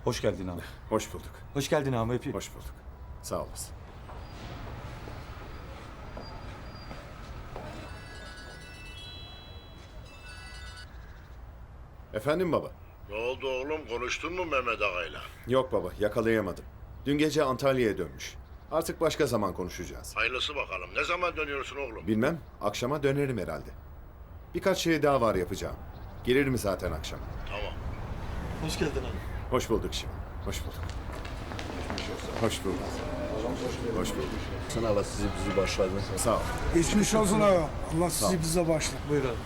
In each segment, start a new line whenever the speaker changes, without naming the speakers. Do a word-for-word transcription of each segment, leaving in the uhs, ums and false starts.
Hoş geldin abi.
Hoş bulduk.
Hoş geldin abi öpeyim.
Hoş bulduk. Sağ olasın. Efendim baba?
Ne oldu oğlum? Konuştun mu Mehmet Ağa'yla?
Yok baba, yakalayamadım. Dün gece Antalya'ya dönmüş. Artık başka zaman konuşacağız.
Hayırlısı bakalım. Ne zaman dönüyorsun oğlum?
Bilmem, akşama dönerim herhalde. Birkaç şey daha var yapacağım. Gelirim zaten akşam.
Tamam.
Hoş geldin abi.
Hoş bulduk şimdi. Hoş bulduk. Hoş bulduk. Hoş bulduk.
Sen Allah sizi bizi başladı.
Sağ ol.
Geçmiş olsun abi. Allah sizi bize başla.
Buyur abi.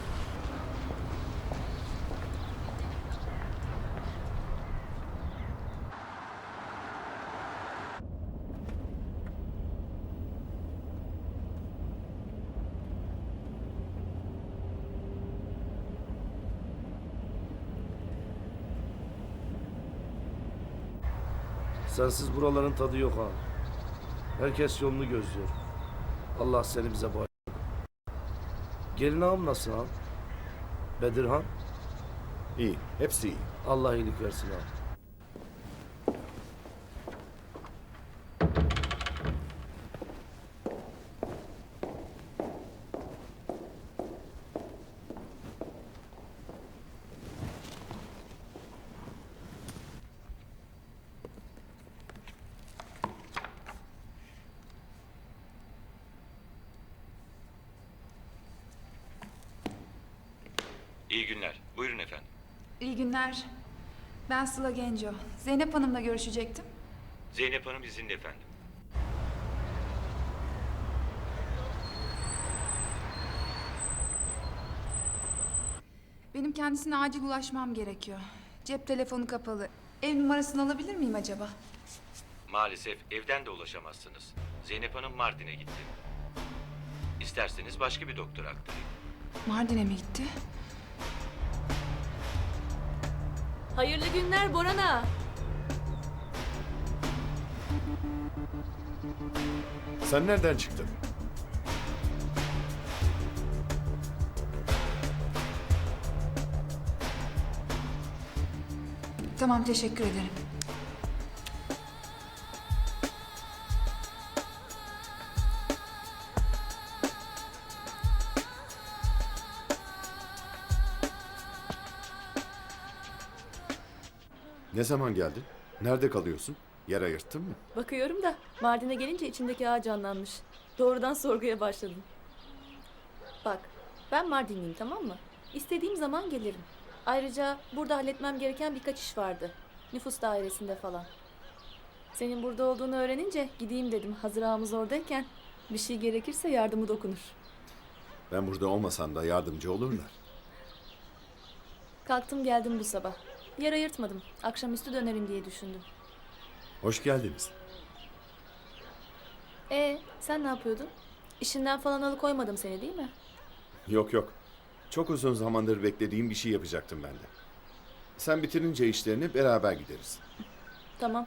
Sensiz buraların tadı yok ha. Herkes yolunu gözlüyor. Allah seni bize bağışlasın. Gelin ağam nasıl ha? Bedirhan,
İyi, hepsi iyi.
Allah iyilik versin ha.
İyi günler. Buyurun efendim.
İyi günler. Ben Sıla Genco. Zeynep Hanım'la görüşecektim.
Zeynep Hanım izinli efendim.
Benim kendisine acil ulaşmam gerekiyor. Cep telefonu kapalı. Ev numarasını alabilir miyim acaba?
Maalesef evden de ulaşamazsınız. Zeynep Hanım Mardin'e gitti. İsterseniz başka bir doktora aktarayım.
Mardin'e mi gitti?
Hayırlı günler Boran'a.
Sen nereden çıktın?
Tamam, teşekkür ederim.
Ne zaman geldin? Nerede kalıyorsun? Yer ayırttın mı?
Bakıyorum da Mardin'e gelince içindeki ağ canlanmış. Doğrudan sorguya başladım. Bak, ben Mardinliyim, tamam mı? İstediğim zaman gelirim. Ayrıca burada halletmem gereken birkaç iş vardı. Nüfus dairesinde falan. Senin burada olduğunu öğrenince gideyim dedim. Hazır ağamız oradayken bir şey gerekirse yardımı dokunur.
Ben burada olmasam da yardımcı olurlar.
Kalktım geldim bu sabah. Yer ayırtmadım. Akşamüstü dönerim diye düşündüm.
Hoş geldiniz.
Ee, sen ne yapıyordun? İşinden falan alıkoymadım seni, değil mi?
Yok yok. Çok uzun zamandır beklediğim bir şey yapacaktım ben de. Sen bitirince işlerini beraber gideriz.
Tamam.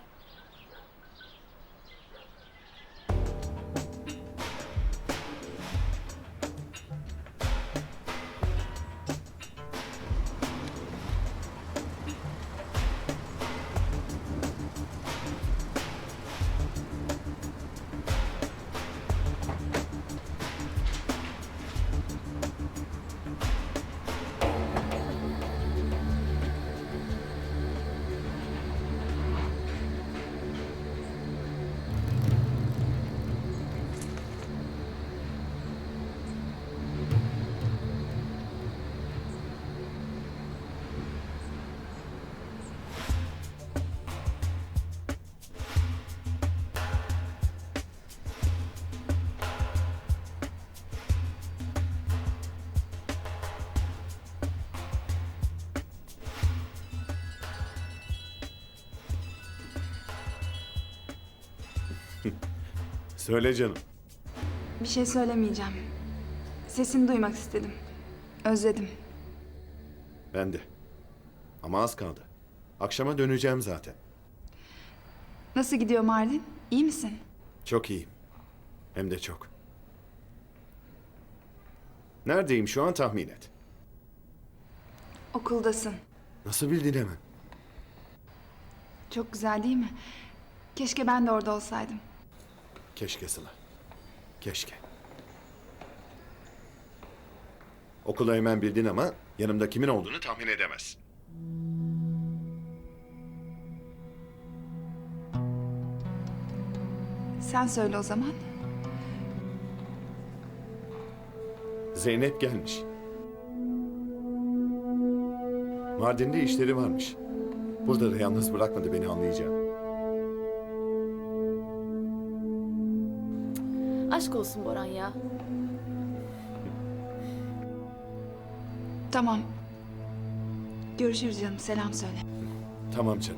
Söyle canım.
Bir şey söylemeyeceğim. Sesini duymak istedim. Özledim.
Ben de. Ama az kaldı. Akşama döneceğim zaten.
Nasıl gidiyor Mardin? İyi misin?
Çok iyiyim. Hem de çok. Neredeyim şu an tahmin et.
Okuldasın.
Nasıl bildin hemen?
Çok güzel değil mi? Keşke ben de orada olsaydım.
Keşke Sıla. Keşke. Okulu hemen bildin ama yanımda kimin olduğunu tahmin edemezsin.
Sen söyle o zaman.
Zeynep gelmiş. Mardin'de işleri varmış. Burada da yalnız bırakmadı beni, anlayacağım.
Aşk olsun Boran ya.
Tamam. Görüşürüz canım. Selam söyle.
Tamam canım.